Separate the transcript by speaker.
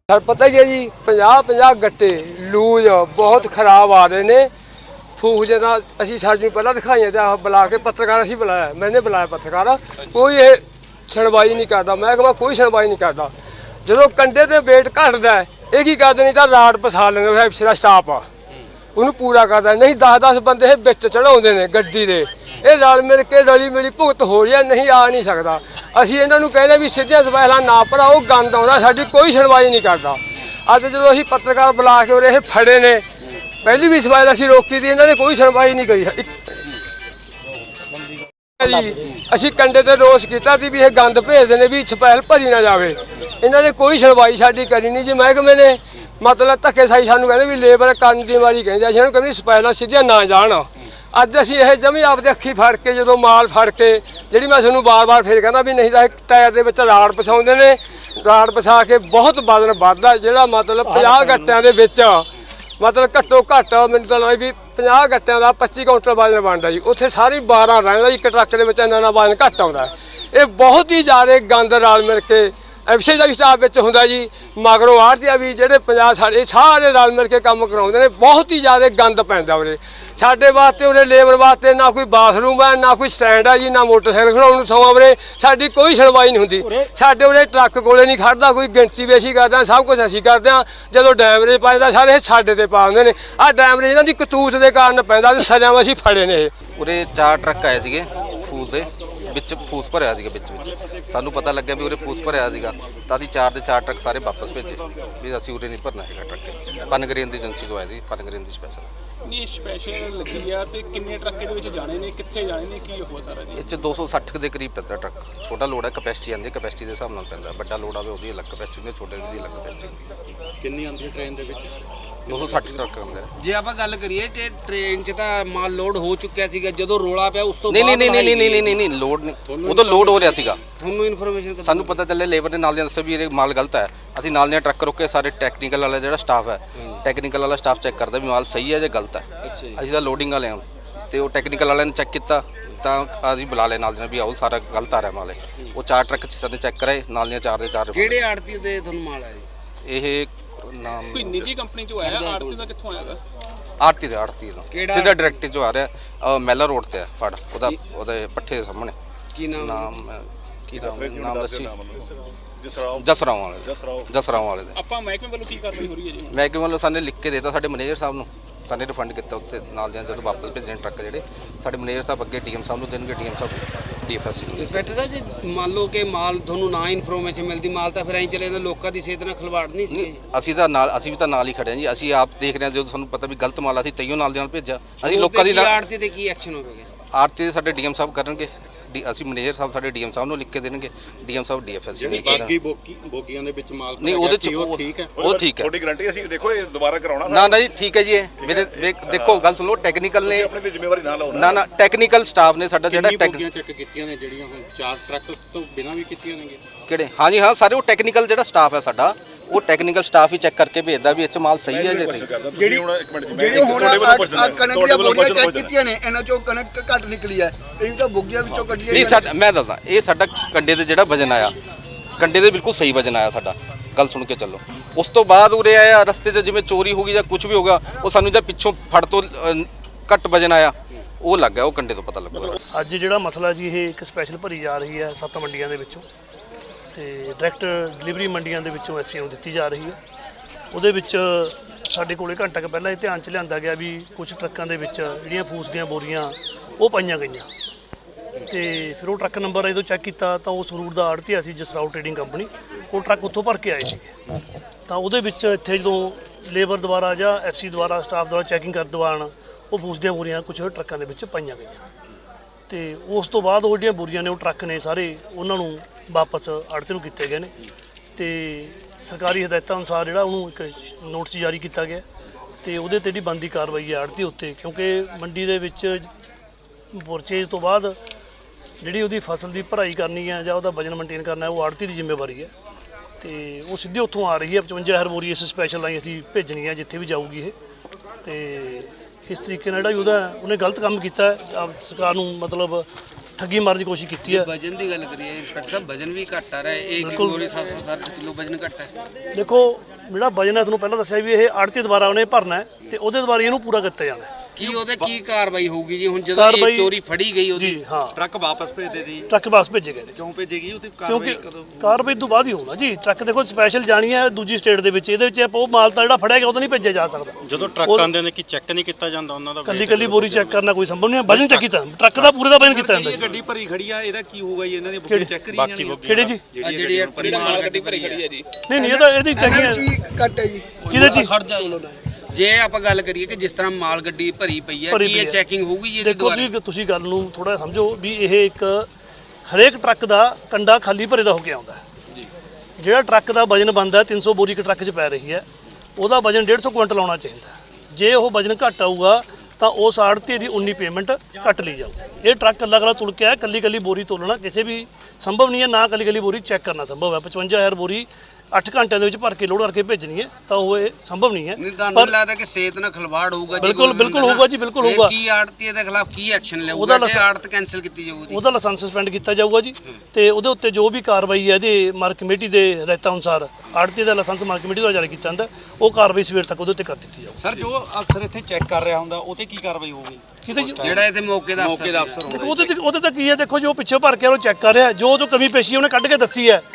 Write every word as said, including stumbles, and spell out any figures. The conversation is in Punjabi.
Speaker 1: सर पता ही है जी पचास पचास गट्टे लूज बहुत खराब आ रहे ने फूक जिदा असी सर जी पहला दिखाई तो बुला के पत्रकार असी बुलाया मैंने बुलाया पत्रकार कोई ये सुनवाई नहीं करता महकमा कोई सुनवाई नहीं करता जो कंडे से वेट घटता है ये की करते नहीं तो राड पसा लेंगे एफसी का स्टाफ आ उन्होंने पूरा करता नहीं दस दस बंदे बिच चढ़ाते हैं गड्डी के ये रल मिल के रली मिली भुगत हो रही है नहीं आ नहीं सकता असी इन्होंने कहने भी सीधिया सवाइलां ना भराओ गंद आउंदा साडी कोई सुनवाई नहीं करता अज जो असी पत्रकार बुला के उरे फड़े ने पहली भी सवाइल असी रोकी थी इन्होंने कोई सुनवाई नहीं करी जी असी कंडे ते रोस किया भी ये गंद भेजते हैं भी छपैल भरी ना जाए इन्होंने कोई सुनवाई साडी करी नहीं जी महकमे ने मतलब धक्केशाही सानू कहते भी लेबर करन दी मारी कहते असीं कहते सपैलां सीधियां ना जाण अज असीं ये जमी आपदे अखी फड़ के जो माल फड़ के जी मैं तुहानूं बार बार फिर कहना भी नहीं तो टायर के विच राड़ पसाउंदे ने राड़ पसा के बहुत वजन वधदा जिहड़ा मतलब पचास गट्टियां दे विच मतलब घट्टो घट्ट मैनूं तां लगदा भी पचास गट्टियां दा पच्ची कुंटल वजन बनदा जी उत्थे सारी बारह रहिंदा जी एक ट्रक दे विच इन्ना इन्ना वजन घट आउंदा है ये बहुत ही ज़्यादा गंद रल मिल के एफसी का भी स्टाफ में होंगे जी मगरों आढ़तिया भी जोड़े सारे सारे रल मिल के काम कराते हैं बहुत ही ज़्यादा गंद पैंदा उरे साडे वास्ते उरे लेबर वास्ते ना कोई बाथरूम है ना कोई स्टैंड है जी ना मोटरसाइकिल खड़ाउण नूं सौं उरे साडी कोई सुनवाई नहीं होंदी साडे उरे ट्रक कोले नहीं खड़दा कोई गिणती भी असीं करदे सब कुछ असीं करदे हां जदों डैमरेज पैंदा सारे साडे ते पा दिंदे ने आ डैमरेज इन्हां दी कतूत दे कारण पैंदा ते सज़ा असीं फड़े ने
Speaker 2: उरे चार ट्रक आए सीगे फूस दे ਵਿੱਚ ਫੂਸ ਭਰਿਆ ਸੀਗਾ ਵਿੱਚ ਵਿੱਚ ਸਾਨੂੰ ਪਤਾ ਲੱਗਿਆ ਵੀ ਉਰੇ ਫੂਸ ਭਰਿਆ ਸੀਗਾ ਤਾਂ ਅਸੀਂ ਚਾਰ ਦੇ ਚਾਰ ਟਰੱਕ ਸਾਰੇ ਵਾਪਸ ਭੇਜੇ ਵੀ ਅਸੀਂ ਉਰੇ ਨਹੀਂ ਭਰਨਾ ਹੈਗਾ ਟਰੱਕ ਪਨਗਰੇਨ ਦੀ ਏਜੰਸੀ ਤੋਂ ਆਏ ਸੀ ਪਨਗਰੇਨ ਦੀ ਸਪੈਸ਼ਲ
Speaker 3: ਨਹੀਂ ਸਪੈਸ਼ਲ ਲੱਗੀ ਆ ਤੇ ਕਿੰਨੇ ਟਰੱਕ ਇਹਦੇ ਵਿੱਚ ਜਾਣੇ ਨੇ ਕਿੱਥੇ ਜਾਣੇ ਨੇ ਕੀ ਹੋ ਸਾਰਾ ਜੀ
Speaker 2: ਇਹ 'ਚ ਦੋ ਸੌ ਸੱਠ ਦੇ ਕਰੀਬ ਪੈਂਦਾ ਟਰੱਕ ਛੋਟਾ ਲੋਡ ਹੈ ਕਪੈਸਿਟੀ ਆਉਂਦੀ ਕਪੈਸਿਟੀ ਦੇ ਹਿਸਾਬ ਨਾਲ ਪੈਂਦਾ ਵੱਡਾ ਲੋਡ ਆਵੇ ਉਹਦੀ ਅਲੱਗ ਕਪੈਸਿਟੀ ਹੁੰਦੀ ਛੋਟੇ ਦੀ ਅਲੱਗ ਕਪੈਸਿਟੀ ਹੁੰਦੀ
Speaker 4: ਕਿੰਨੀ ਆਉਂਦੀ ਹੈ ਟ੍ਰੇਨ ਦੇ ਵਿੱਚ
Speaker 2: ਦੋ ਸੌ ਸੱਠ ਟਰੱਕ ਆਉਂਦੇ ਨੇ
Speaker 5: ਜੇ ਆਪਾਂ ਗੱਲ ਕਰੀਏ ਕਿ ਟ੍ਰੇਨ 'ਚ ਤਾਂ ਮਾਲ ਲੋਡ ਹੋ ਚੁੱਕਿਆ ਸੀਗਾ ਜਦੋਂ ਰੋਲਾ ਪਿਆ ਉਸ ਤੋਂ
Speaker 2: ਨਹੀਂ ਨਹੀਂ ਨਹੀਂ ਨਹੀਂ ਨਹੀਂ ਨਹੀਂ ਨਹੀਂ ਲੋਡ ਨਹੀਂ ਉਦੋਂ ਲੋਡ ਹੋ ਰਿਹਾ ਸੀਗਾ
Speaker 5: ਤੁਹਾਨੂੰ ਇਨਫੋਰਮੇਸ਼ਨ
Speaker 2: ਸਾਨੂੰ ਪਤਾ ਚੱਲਿਆ ਲੇਬਰ ਦੇ ਨਾਲ ਦੇ ਦੱਸਿਆ ਵੀ ਇਹ ਮਾਲ ਗਲਤ ਹੈ ਅਸੀਂ ਨਾਲ ਦੇ ਟਰੱਕ ਰੋਕੇ ਸਾਰੇ ਟੈਕਨੀਕਲ ਵਾਲਾ ਜਿਹੜਾ ਸਟਾਫ ਹੈ ਟੈਕਨੀਕਲ ਵਾਲਾ ਸਟਾਫ ਚੈੱਕ ਕਰਦਾ ਵੀ ਮਾਲ ਸਹੀ ਹੈ ਜਾਂ ਗਲਤ ਹੈ ਅਸੀਂ ਤਾਂ ਲੋਡਿੰਗ ਵਾਲੇ ਹਾਂ ਤੇ ਉਹ ਟੈਕਨੀਕਲ ਵਾਲਿਆਂ ਨੇ ਚੈੱਕ ਕੀਤਾ ਤਾਂ ਅਸੀਂ ਬੁਲਾ ਲਏ ਨਾਲ ਦੇ ਵੀ ਆਓ ਸਾਰਾ ਗਲਤ ਆ ਰਿਹਾ ਮਾਲ ਉਹ ਚਾਰ ਟਰੱਕ ਸਾਡੇ ਚੈੱਕ ਕਰਾਏ ਨਾਲ ਦੀਆਂ ਚਾਰ ਦੇ ਚਾਰ
Speaker 5: ਕਿਹੜੇ ਆੜਤੀ ਦੇ ਤੁਹਾਨੂੰ ਮਾਲ ਆਇਆ
Speaker 2: ਇਹ ਨਾਮ
Speaker 3: ਕੋਈ ਨਿੱਜੀ ਕੰਪਨੀ ਚੋਂ ਆਇਆ ਆੜਤੀ ਦਾ ਕਿੱਥੋਂ ਆਇਆਗਾ
Speaker 2: ਆੜਤੀ ਦੇ ਆੜਤੀ ਦਾ ਸਿੱਧਾ ਡਾਇਰੈਕਟ ਚੋਂ ਆ ਰਿਹਾ ਮੈਲਾ ਰੋਡ ਤੇ ਆ ਫੜ ਉਹਦਾ ਉਹਦੇ ਪੱਠੇ ਦੇ ਸਾਹਮਣੇ
Speaker 5: ਕੀ ਨਾਮ
Speaker 2: ਨਾਮ ਕੀ ਨਾਮ ਨਾਮ ਦੱਸੀ ਜਸਰਾਓ ਵਾਲੇ ਜਸਰਾਓ ਵਾਲੇ ਦੇ
Speaker 3: ਆਪਾਂ ਮਹਿਕਮੇ ਵੱਲੋਂ ਕੀ ਕਾਰਵਾਈ ਹੋ ਰਹੀ ਹੈ ਜੀ
Speaker 2: ਮਹਿਕਮੇ ਵੱਲੋਂ ਸਾਨੂੰ ਲਿਖ ਕੇ ਦੇਤਾ ਸਾਡੇ ਮੈਨੇਜਰ ਸਾਹਿਬ ਨੂੰ ਸਾਨੂੰ ਰਿਫੰਡ ਕੀਤਾ ਉੱਥੇ ਨਾਲ ਦੇ ਜਦੋਂ ਵਾਪਸ ਭੇਜਣ ਟਰੱਕ ਜਿਹੜੇ ਸਾਡੇ ਮੈਨੇਜਰ ਸਾਹਿਬ ਅੱਗੇ ਡੀਐਮ ਸਾਹਿਬ ਨੂੰ ਦੇਣਗੇ ਡੀਐਮ ਸਾਹਿਬ ਡੀਐਫਐਸ ਨੂੰ
Speaker 5: ਇੰਸਪੈਕਟਰ ਸਾਹਿਬ ਜੀ ਮੰਨ ਲਓ ਕਿ ਮਾਲ ਤੁਹਾਨੂੰ ਨਾ ਇਨਫੋਰਮੇਸ਼ਨ ਮਿਲਦੀ ਮਾਲ ਤਾਂ ਫਿਰ ਐਂ ਚਲੇ ਜਾਂਦਾ ਲੋਕਾਂ ਦੀ ਸਿਹਤ ਨਾਲ ਖਿਲਵਾੜ ਨਹੀਂ ਸੀ
Speaker 2: ਅਸੀਂ ਤਾਂ ਨਾਲ ਅਸੀਂ ਵੀ ਤਾਂ ਨਾਲ ਹੀ ਖੜੇ ਹਾਂ ਜੀ ਅਸੀਂ ਆਪ ਦੇਖ ਰਹੇ ਹਾਂ ਜਦੋਂ ਸਾਨੂੰ ਪਤਾ ਵੀ ਗਲਤ ਮਾਲ ਅਸੀਂ ਤਈਓ ਨਾਲ ਦੇ ਨਾਲ ਭੇਜਿਆ ਅਸੀਂ ਲੋਕਾਂ ਦੀ
Speaker 5: ਆੜਤੀ ਤੇ ਕੀ ਐਕਸ਼ਨ ਹੋਵੇਗਾ
Speaker 2: ਆੜਤੀ ਦੇ ਸਾਡੇ ਡੀਐਮ ਸਾਹਿਬ ਕਰਨਗੇ ਅਸੀਂ ਮੈਨੇਜਰ ਸਾਹਿਬ ਸਾਡੇ ਡੀਐਮ ਸਾਹਿਬ ਨੂੰ ਲਿਖ ਕੇ ਦੇਣਗੇ ਡੀਐਮ ਸਾਹਿਬ ਡੀਐਫਐਸ
Speaker 4: ਜਿਹੜੀ ਬਾਕੀ ਬੋਗੀ ਬੋਗੀਆਂ ਦੇ ਵਿੱਚ ਮਾਲ
Speaker 2: ਨਹੀਂ ਉਹਦੇ ਚ
Speaker 4: ਉਹ ਠੀਕ ਹੈ
Speaker 2: ਉਹ ਠੀਕ ਹੈ
Speaker 6: ਤੁਹਾਡੀ ਗਾਰੰਟੀ ਅਸੀਂ ਦੇਖੋ ਇਹ ਦੁਬਾਰਾ ਕਰਾਉਣਾ
Speaker 2: ਨਾ ਨਾ ਜੀ ਠੀਕ ਹੈ ਜੀ ਇਹ ਮੇਰੇ ਦੇਖੋ ਗੱਲ ਸੁਣੋ ਟੈਕਨੀਕਲ ਨੇ
Speaker 6: ਆਪਣੀ ਜ਼ਿੰਮੇਵਾਰੀ ਨਾ ਲਓ
Speaker 2: ਨਾ ਨਾ ਟੈਕਨੀਕਲ ਸਟਾਫ ਨੇ ਸਾਡਾ ਜਿਹੜਾ
Speaker 4: ਬੋਗੀਆਂ ਚੈੱਕ ਕੀਤੀਆਂ ਨੇ ਜਿਹੜੀਆਂ ਹੁਣ ਚਾਰ ਟਰੱਕ ਤੋਂ ਬਿਨਾਂ ਵੀ ਕੀਤੀਆਂ ਨੇਗੇ
Speaker 2: ਕਿਹੜੇ ਹਾਂਜੀ ਹਾਂ ਸਾਰੇ ਉਹ ਟੈਕਨੀਕਲ ਜਿਹੜਾ ਸਟਾਫ ਹੈ ਸਾਡਾ ਉਹ ਟੈਕਨੀਕਲ ਸਟਾਫ ਹੀ ਚੈੱਕ ਕਰਕੇ ਭੇਜਦਾ ਵੀ ਇਹ ਚ ਮਾਲ ਸਹੀ ਹੈ ਜਾਂ ਨਹੀਂ
Speaker 6: ਜਿਹੜੀ ਹੁਣ ਇੱਕ ਮਿੰਟ
Speaker 7: ਜਿਹੜੀ ਹੁਣ ਕਣਕ ਦੀਆਂ ਬੋਰੀਆਂ ਚੈੱਕ ਕੀਤੀਆਂ ਨੇ ਇਹਨਾਂ ਚੋਂ ਕਣਕ ਘੱਟ ਨਿਕਲੀ ਹੈ ਇਹ ਵੀ ਤਾਂ ਬੋਗੀਆਂ ਵਿੱਚੋਂ ਕੱਢੀਆਂ
Speaker 2: ਨਹੀਂ ਸਾਡਾ ਮੈਂ ਦੱਸਦਾ ਇਹ ਸਾਡਾ ਕੰਡੇ ਦੇ ਜਿਹੜਾ ਵਜਨ ਆਇਆ ਕੰਡੇ ਦੇ ਬਿਲਕੁਲ ਸਹੀ ਵਜਨ ਆਇਆ ਸਾਡਾ ਗੱਲ ਸੁਣ ਕੇ ਚੱਲੋ ਉਸ ਤੋਂ ਬਾਅਦ ਉਰੇ ਆਇਆ ਰਸਤੇ 'ਚ ਜਿਵੇਂ ਚੋਰੀ ਹੋ ਗਈ ਜਾਂ ਕੁਝ ਵੀ ਹੋ ਗਿਆ ਉਹ ਸਾਨੂੰ ਜਾਂ ਪਿੱਛੋਂ ਫੜ ਤੋਂ ਘੱਟ ਵਜਨ ਆਇਆ ਉਹ ਲੱਗ ਗਿਆ ਉਹ ਕੰਡੇ ਤੋਂ ਪਤਾ ਲੱਗੂਗਾ
Speaker 8: ਅੱਜ ਜਿਹੜਾ ਮਸਲਾ ਜੀ ਇਹ ਇੱਕ ਸਪੈਸ਼ਲ ਭਰੀ ਜਾ ਰਹੀ ਹੈ ਸੱਤ ਮੰਡੀਆਂ ਦੇ ਵਿੱਚੋਂ ਤੇ ਡਾਇਰੈਕਟ ਡਿਲੀਵਰੀ ਮੰਡੀਆਂ ਦੇ ਵਿੱਚੋਂ ਐਫਸੀ ਨੂੰ ਦਿੱਤੀ ਜਾ ਰਹੀ ਹੈ ਉਹਦੇ ਵਿੱਚ ਸਾਡੇ ਕੋਲੇ ਘੰਟਾ ਕੁ ਪਹਿਲਾਂ ਇਹ ਧਿਆਨ 'ਚ ਲਿਆਂਦਾ ਗਿਆ ਵੀ ਕੁਝ ਟਰੱਕਾਂ ਦੇ ਵਿੱਚ ਜਿਹੜੀਆਂ ਫੂਸ ਦੀਆਂ ਬੋਰੀਆਂ ਉਹ ਪਾਈਆਂ ਗਈਆਂ ਤੇ ਫਿਰ ਉਹ ਟਰੱਕ ਨੰਬਰ ਜਦੋਂ ਚੈੱਕ ਕੀਤਾ ਤਾਂ ਉਸ ਰੂਟ ਦਾ ਆੜ੍ਹਤੀਆ ਸੀ ਜਸਰਾਓ ਟ੍ਰੇਡਿੰਗ ਕੰਪਨੀ ਉਹ ਟਰੱਕ ਉੱਥੋਂ ਭਰ ਕੇ ਆਏ ਸੀ ਤਾਂ ਉਹਦੇ ਵਿੱਚ ਇੱਥੇ ਜਦੋਂ ਲੇਬਰ ਦੁਆਰਾ ਜਾਂ ਐਫਸੀ ਦੁਆਰਾ ਸਟਾਫ ਦੁਆਰਾ ਚੈਕਿੰਗ ਕਰਨ ਦੌਰਾਨ ਉਹ ਫੂਸ ਦੀਆਂ ਬੋਰੀਆਂ ਕੁਝ ਟਰੱਕਾਂ ਦੇ ਵਿੱਚ ਪਾਈਆਂ ਗਈਆਂ ਤੇ ਉਸ ਤੋਂ ਬਾਅਦ ਉਹ ਜਿਹੜੀਆਂ ਬੋਰੀਆਂ ਨੇ ਉਹ ਟਰੱਕ ਨੇ ਸਾਰੇ ਉਹਨਾਂ ਨੂੰ ਵਾਪਸ ਆੜ੍ਹਤੀ ਨੂੰ ਕੀਤੇ ਗਏ ਨੇ ਤੇ ਸਰਕਾਰੀ ਹਦਾਇਤਾਂ ਅਨੁਸਾਰ ਜਿਹੜਾ ਉਹਨੂੰ ਇੱਕ ਨੋਟਿਸ ਜਾਰੀ ਕੀਤਾ ਗਿਆ ਤੇ ਉਹਦੇ ਤੇ ਜਿਹੜੀ ਬਣਦੀ ਕਾਰਵਾਈ ਹੈ ਆੜ੍ਹਤੀ ਉੱਤੇ ਕਿਉਂਕਿ ਮੰਡੀ ਦੇ ਵਿੱਚ ਪਰਚੇਜ ਤੋਂ ਬਾਅਦ ਜਿਹੜੀ ਉਹਦੀ ਫਸਲ ਦੀ ਭਰਾਈ ਕਰਨੀ ਹੈ ਜਾਂ ਉਹਦਾ ਵਜਨ ਮੇਨਟੇਨ ਕਰਨਾ ਉਹ ਆੜ੍ਹਤੀ ਦੀ ਜ਼ਿੰਮੇਵਾਰੀ ਹੈ ਤੇ ਉਹ ਸਿੱਧੀ ਉੱਥੋਂ ਆ ਰਹੀ ਹੈ ਪਚਵੰਜਾ ਹਜ਼ਾਰ ਬੋਰੀ ਇਸ ਸਪੈਸ਼ਲ ਲਾਈ ਅਸੀਂ ਭੇਜਣੀ ਹੈ ਜਿੱਥੇ ਵੀ ਜਾਊਗੀ ਇਹ ਤੇ ਇਸ ਤਰੀਕੇ ਨਾਲ ਜਿਹੜਾ ਉਹਦਾ ਉਹਨੇ ਗਲਤ ਕੰਮ ਕੀਤਾ ਸਰਕਾਰ ਨੂੰ ਮਤਲਬ ठगी मारने की कोशिश की है।
Speaker 5: वजन की गल करिए इंस्पेक्टर साहब, वजन भी घट आ रहा है, एक बोरी सात सौ किलो वजन घट है।
Speaker 8: देखो ਜਿਹੜਾ ਵਜਨ ਹੈ ਤੁਹਾਨੂੰ ਪਹਿਲਾਂ ਦੱਸਿਆ ਵੀ ਇਹ ਆੜਤੀ ਦੁਆਰਾ ਉਹਨੇ ਭਰਨਾ ਹੈ ਤੇ ਉਹਦੇ ਦੁਆਰਾ ਇਹਨੂੰ ਪੂਰਾ ਕੀਤਾ ਜਾਣਾ ਹੈ।
Speaker 5: ਕੀ ਉਹਦੇ ਕੀ ਕਾਰਵਾਈ ਹੋਊਗੀ ਜੀ ਹੁਣ ਜਦੋਂ
Speaker 8: ਕਾਰਵਾਈ-
Speaker 5: ਇਹ ਚੋਰੀ ਫੜੀ ਗਈ ਉਹਦੀ?
Speaker 8: ਜੀ ਹਾਂ,
Speaker 4: ਟਰੱਕ ਵਾਪਸ ਭੇਜ ਦੇ ਦੀ
Speaker 8: ਟਰੱਕ ਵਾਪਸ ਭੇਜੇ ਗਏ ਨੇ
Speaker 4: ਕਿਉਂ ਭੇਜੇਗੀ ਉਹਦੀ
Speaker 8: ਕਿਉਂਕਿ
Speaker 4: ਕਾਰਵਾਈ ਕਦੋਂ
Speaker 8: ਕਾਰਵਾਈ ਤੋਂ ਬਾਅਦ ਹੀ ਹੋਣਾ ਜੀ। ਟਰੱਕ ਦੇਖੋ ਸਪੈਸ਼ਲ ਜਾਣੀ ਹੈ ਦੂਜੀ ਸਟੇਟ ਦੇ ਵਿੱਚ, ਇਹਦੇ ਵਿੱਚ ਆਪਾਂ ਉਹ ਮਾਲ ਤਾਂ ਜਿਹੜਾ ਫੜਿਆ ਗਿਆ ਉਹ ਤਾਂ ਨਹੀਂ ਭੇਜਿਆ ਜਾ ਸਕਦਾ।
Speaker 4: ਜਦੋਂ ਟਰੱਕ
Speaker 8: ਉਹ-
Speaker 4: ਆਉਂਦੇ ਨੇ ਕਿ ਚੈੱਕ ਨਹੀਂ ਕੀਤਾ ਜਾਂਦਾ ਉਹਨਾਂ ਦਾ
Speaker 8: ਕੱਲੀ ਕੱਲੀ ਬੋਰੀ ਚੈੱਕ ਕਰਨਾ ਕੋਈ ਸੰਭਵ ਨਹੀਂ ਹੈ। ਵਜਨ ਚੈੱਕ ਕੀਤਾ, ਟਰੱਕ ਦਾ ਪੂਰੇ ਦਾ ਵਜਨ ਕੀਤਾ ਜਾਂਦਾ ਜੀ।
Speaker 4: ਗੱਡੀ ਭਰੀ ਖੜੀ ਆ ਇਹਦਾ ਕੀ ਹੋਊਗਾ ਜੀ ਇਹਨਾਂ ਦੀ ਬੁਕਿੰਗ ਚੈੱਕ ਕਰੀ ਜਾਣੀ ਹੈ
Speaker 8: ਕਿਹੜੇ ਜੀ?
Speaker 5: ਆ ਜਿਹੜੀ ਇਹ ਮਾਲ ਗੱਡੀ ਭਰੀ ਖੜੀ ਹੈ
Speaker 3: ਜੀ
Speaker 8: ਨਹੀਂ ਨਹੀਂ ਇਹ ਤਾਂ ਇਹਦੀ
Speaker 7: ਇਹਨਾਂ
Speaker 8: ਚੈਕਿੰਗ
Speaker 7: ਵਿੱਚ ਵੀ ਘੱਟ ਹੈ ਜੀ।
Speaker 8: ਕਿਹਦੇ ਚ?
Speaker 5: ਖੜ ਜਾ ਜੇ ਆਪਾਂ ਗੱਲ ਕਰੀਏ ਕਿ ਜਿਸ ਤਰ੍ਹਾਂ ਮਾਲ ਗੱਡੀ ਭਰੀ ਪਈ ਹੈ
Speaker 8: ਭਰੀ
Speaker 5: ਕੀ
Speaker 8: ਪਈ
Speaker 5: ਇਹ
Speaker 8: ਹੈ।
Speaker 5: ਚੈਕਿੰਗ ਹੋਊਗੀ ਜੀ ਇਹਦੇ
Speaker 8: ਦੇਖੋ
Speaker 5: ਦੁਆਰਾ?
Speaker 8: ਜੀ ਤੁਸੀਂ ਗੱਲ ਨੂੰ ਥੋੜਾ ਸਮਝੋ ਵੀ ਇਹ ਇੱਕ ਹਰੇਕ ਟਰੱਕ ਦਾ ਕੰਡਾ ਖਾਲੀ ਭਰੇ ਦਾ ਹੋ ਕੇ ਆਉਂਦਾ ਹੈ। ਜਿਹੜਾ ਟਰੱਕ ਦਾ ਵਜਨ ਬਣਦਾ ਤਿੰਨ ਸੌ ਬੋਰੀ ਇੱਕ ਟਰੱਕ 'ਚ ਪੈ ਰਹੀ ਹੈ, ਉਹਦਾ ਵਜਨ ਡੇਢ ਸੌ ਕੁਇੰਟਲ ਆਉਣਾ ਚਾਹੀਦਾ ਹੈ। ਜੇ ਉਹ ਵਜਨ ਘੱਟ ਆਊਗਾ ਤਾਂ ਉਸ ਆੜਤੀ ਦੀ ਉਨੀ ਪੇਮੈਂਟ ਕੱਟ ਲਈ ਜਾਊ। ਇਹ ਟਰੱਕ ਕੱਲਾ ਕੱਲਾ ਤੁਲ ਕੇ ਆਇਆ, ਕੱਲੀ ਕੱਲੀ ਬੋਰੀ ਤੋਲਣਾ ਕਿਸੇ ਵੀ ਸੰਭਵ ਨਹੀਂ ਹੈ, ਨਾ ਕੱਲੀ ਕੱਲੀ ਬੋਰੀ ਚੈੱਕ ਕਰਨਾ ਸੰਭਵ ਹੈ। ਪਚਵੰਜਾ ਹਜ਼ਾਰ ਬੋਰੀ ਅੱਠ ਘੰਟਿਆਂ ਦੇ ਵਿੱਚ ਭਰ ਕੇ ਲੋਡ ਕਰਕੇ ਭੇਜਣੀ ਹੈ ਤਾਂ ਉਹ ਇਹ ਸੰਭਵ ਨਹੀਂ ਹੈ।
Speaker 5: ਨਹੀਂ ਤੁਹਾਨੂੰ ਨਹੀਂ ਲੱਗਦਾ ਕਿ ਸਿਹਤ ਨਾਲ ਖਿਲਵਾੜ ਹੋਊਗਾ ਜੀ?
Speaker 8: ਬਿਲਕੁਲ-
Speaker 5: ਕੋਈ
Speaker 8: ਬਿਲਕੁਲ
Speaker 5: ਹੁੰਦਾ
Speaker 8: ਹੋਊਗਾ ਜੀ, ਬਿਲਕੁਲ
Speaker 5: ਫਿਰ
Speaker 8: ਹੋਊਗਾ।
Speaker 5: ਕੀ ਆੜਤੀ ਦੇ ਖਿਲਾਫ ਕੀ ਐਕਸ਼ਨ
Speaker 8: ਉਹਦਾ
Speaker 5: ਲਊਗਾ ਜੇ
Speaker 8: ਲਸਾ-
Speaker 5: ਆੜਤ ਕੈਨਸਲ ਕੀਤੀ ਜਾਊਗੀ?
Speaker 8: ਉਹਦਾ ਲਾਇਸੈਂਸ ਸਸਪੈਂਡ ਕੀਤਾ ਜਾਊਗਾ ਜੀ ਤੇ ਉਹਦੇ ਉੱਤੇ ਜੋ ਵੀ ਕਾਰਵਾਈ ਹੈ ਇਹਦੇ ਮਾਰਕ ਕਮੇਟੀ ਦੇ ਹਦਾਇਤਾਂ ਅਨੁਸਾਰ ਆੜਤੀ ਦਾ ਲਾਇਸੈਂਸ ਮਾਰਕ ਕਮੇਟੀ ਦੁਆਰਾ ਜਾਰੀ ਕੀਤਾ ਜਾਂਦਾ, ਉਹ ਕਾਰਵਾਈ ਸਵੇਰ ਤੱਕ ਉਹਦੇ ਉੱਤੇ ਕਰ ਦਿੱਤੀ ਜਾਊਗੀ।
Speaker 4: ਸਰ ਜੋ ਅਫਸਰ ਇੱਥੇ ਚੈੱਕ ਕਰ ਰਿਹਾ ਹੁੰਦਾ ਉਹ ਤੇ ਕੀ ਕਾਰਵਾਈ ਹੋਊਗੀ?
Speaker 8: ਕਿਤੇ ਜੀ-
Speaker 5: ਜਿਹੜਾ ਇਹਦੇ ਮੌਕੇ ਦਾ
Speaker 4: ਮੌਕੇ ਦਾ ਅਫਸਰ
Speaker 8: ਦੇਖੋ ਉਹਦੇ ਤੇ ਉਹਦੇ ਤੇ ਕੀ ਹੈ, ਦੇਖੋ ਜੋ ਪਿੱਛੇ ਭਰ ਕੇ ਉਹ ਚੈੱਕ ਕਰ ਰਿਹਾ, ਜੋ ਜੋ ਕਮੀ ਪੇਸ਼ੀ ਉਹਨੇ ਕੱਢ ਕੇ ਦੱਸੀ ਹੈ